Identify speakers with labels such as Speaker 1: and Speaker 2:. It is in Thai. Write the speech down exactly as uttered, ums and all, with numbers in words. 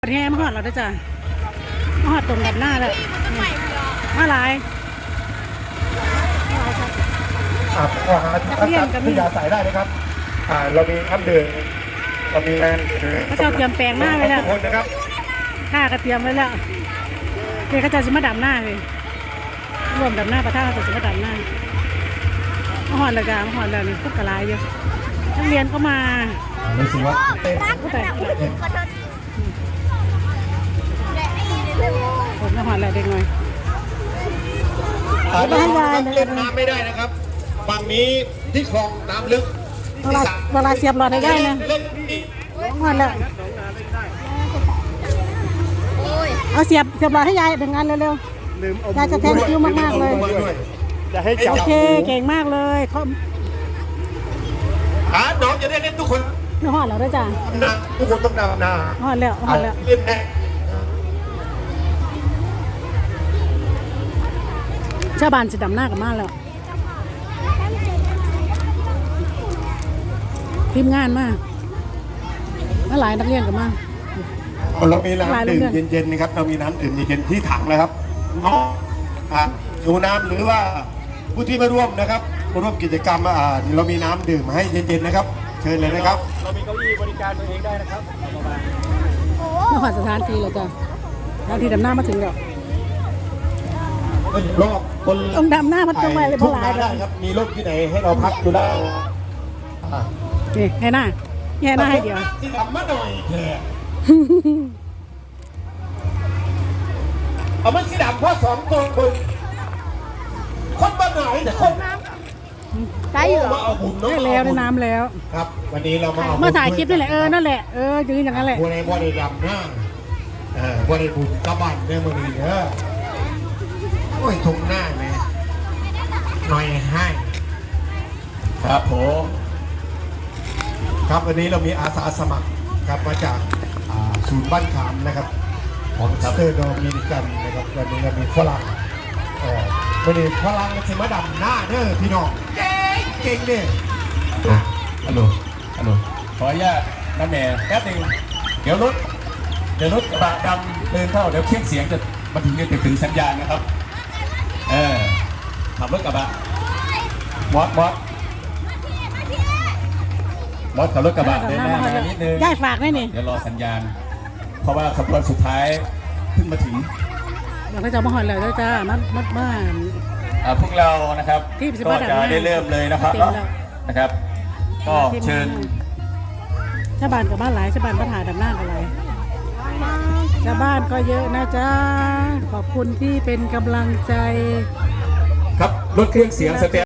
Speaker 1: แห่มาหอดเราได้จ้ะมาหอดตรงกันหน้าเลยมาหลาย
Speaker 2: อ่าอาหารที่ยาใส่ได้นะครับอ่าเรามีน้ำดื่มเรามีแรง
Speaker 1: เขาจะเตรียมแปลงหน้าไว้แล้ว
Speaker 2: คนนะครับ
Speaker 1: ข้าก็เตรียมไว้แล้วเดี๋ยวเขาจะสิมาดำหน้าเลยรวมดำหน้าประท่าเขาจะสิมาดำหน้ามาหอดเลยจ้ะมาหอดเลยนี่พวกกระไรเยอะนักเรียนก็มา
Speaker 2: รู้สึกว่าเต้น
Speaker 1: ผมจะหอดอะไรเด็กหน่อย
Speaker 2: ไม่ให้ยายเล่นน้ำไม่ได้นะครับฝั่งนี้ที่คลองน้ำลึก
Speaker 1: เวลาเวลาเสียบหลอดให้ได้นะหอดแล้วเอาเสียบเสียบหลอดให้ยายถึงงานเร็วๆยายจะแทงคิ้วมากๆเลยโอเคเก่งมากเลยเขา
Speaker 2: อ่าน้องจะได้เล่นทุกคน
Speaker 1: น้องหอดแล้วด้วยจ้ะ
Speaker 2: ทุกคนต้องดำนา
Speaker 1: หอดแล้วหอดแล้วชาวบ้านจะดำหน้ากันมากแล้วทีมงานมากมาหลายนักเรียนกันมาก
Speaker 2: เรามีน้ำดื่มเย็นๆนะครับเรามีน้ำดื่มเย็นๆที่ถังนะครับน้องดูน้ำหรือว่าผู้ที่มาร่วมนะครับมาร่วมกิจกรรมอ่าเรามีน้ำดื่มให้เย็นๆนะครับเชิญเลยนะครับเรามีเก้าอี้บริการตัวเองได้นะครับ
Speaker 1: นครสถานที่เลยจ้ะสถานที่ดำหน้ามาถึงแล้ว
Speaker 2: รอบคน
Speaker 1: ต้องดำหน้ามันต้องไปเลยเพราะหลาย
Speaker 2: ได้ครับมีรถที่ไหนให้เราพักดูได้
Speaker 1: นี่แห่หน้าแห่หน้าให้เดียว
Speaker 2: ที่ดำมาหน่อยแค่เอามันสีดำเพราะสองคนคนคนบ้านไหนแต่คน
Speaker 1: ได้อยู่ได้แล้วได้น้ำแล้ว
Speaker 2: ครับวันนี้เรามา
Speaker 1: เมื่อถ่ายคลิปนี่แหละเออนั่นแหละเออยืนอย่างนั้นแหละ
Speaker 2: บัวในบัวในดำหน้าเออบัวในบุญกระบันเนี่ยมันดีเนอะโอ้ยทุ่งหน้าเลยหน่อยให้ครับผมครับวันนี้เรามีอาสาสมัครครับมาจากศูนย์บ้านขามนะครับของสเตอร์โดมินิกันนะครับวันนี้เรามีฝรั่งเออวันนี้ฝรั่งจะมาดำหน้าเด้อพี่น้องเก่งเก่งเนี่ย
Speaker 3: ฮัลโหลฮัลโหลขออนุญาตน้ำแหน่แป๊บนึงเดี๋ยวรถเดี๋ยวรถกระบะดำเดินเข้าเดี๋ยวเครื่องเสียงจะมาถึงจะถึงสัญญาณนะครับเออขับรถกระบะมอสมอสมอสขับรถกระบะเดินหน้ามานิดนึง
Speaker 1: ได้ฝากได้นี่
Speaker 3: เดี๋ยวรอสัญญาณเพราะว่าขบวนสุดท้ายเพิ่งมาถึง
Speaker 1: เราก็จะมาหอยเลยด้วยจ้ามัดมัดบ้าน
Speaker 3: พวกเรานะครับก็จะได้เริ่มเลยนะครับนะครับก็เชิญ
Speaker 1: ชาวบ้านกับบ้านหลายชาวบ้านปัญหาดำหน้าอะไรชาวบ้านก็เยอะนะจ๊ะขอบคุณที่เป็นกำลังใจ
Speaker 3: ครับรถเครื่องเสียงสเต